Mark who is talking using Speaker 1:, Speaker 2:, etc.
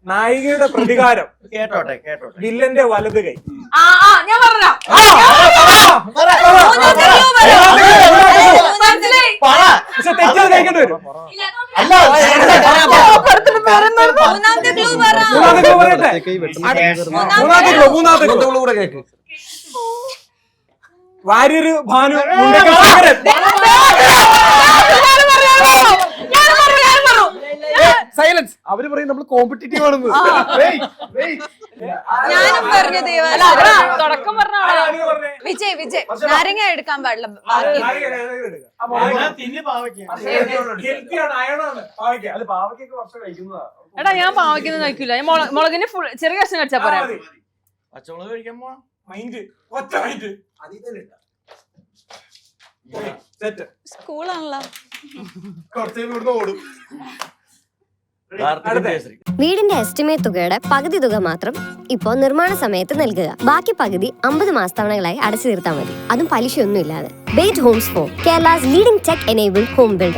Speaker 1: നായികയുടെ പ്രതികാരം.
Speaker 2: കേട്ടോട്ടെ.
Speaker 1: വില്ലന്റെ വലത് കൈ.
Speaker 3: ഞാൻ പറഞ്ഞോ.
Speaker 1: തെറ്റത് കഴിക്കേണ്ടി വരും. മൂന്നാമത്തെ ക്ലൂ കൂടെ കേക്ക്. വാര്യര് ഭാനു
Speaker 4: സൈലൻസ്. അവര് പറയും നമ്മൾ കോമ്പറ്റീറ്റീവ് ആണെന്ന്.
Speaker 5: ഞാനും പറഞ്ഞു തുടക്കം പറഞ്ഞ വിജയ് നാരങ്ങ എടുക്കാൻ പാടില്ല.
Speaker 3: എടാ ഞാൻ പാവയ്ക്കൊന്നും കഴിക്കൂല. ഞാൻ മുളകിന് ഫുൾ ചെറിയ കഷ്ണം കഴിച്ചാ പോരാ.
Speaker 2: പച്ചമുളക് കഴിക്കാൻ പോവാ.
Speaker 5: സ്കൂളാണല്ലോ.
Speaker 6: വീടിന്റെ എസ്റ്റിമേറ്റ് തുകയുടെ പകുതി തുക മാത്രം ഇപ്പോൾ നിർമ്മാണ സമയത്ത് നൽകുക. ബാക്കി പകുതി 50 മാസത്തവണകളായി അടച്ചു തീർത്താൽ മതി. അതും പലിശയൊന്നും ഇല്ലാതെ. Bate Homes for Kerala's leading tech enabled home builder.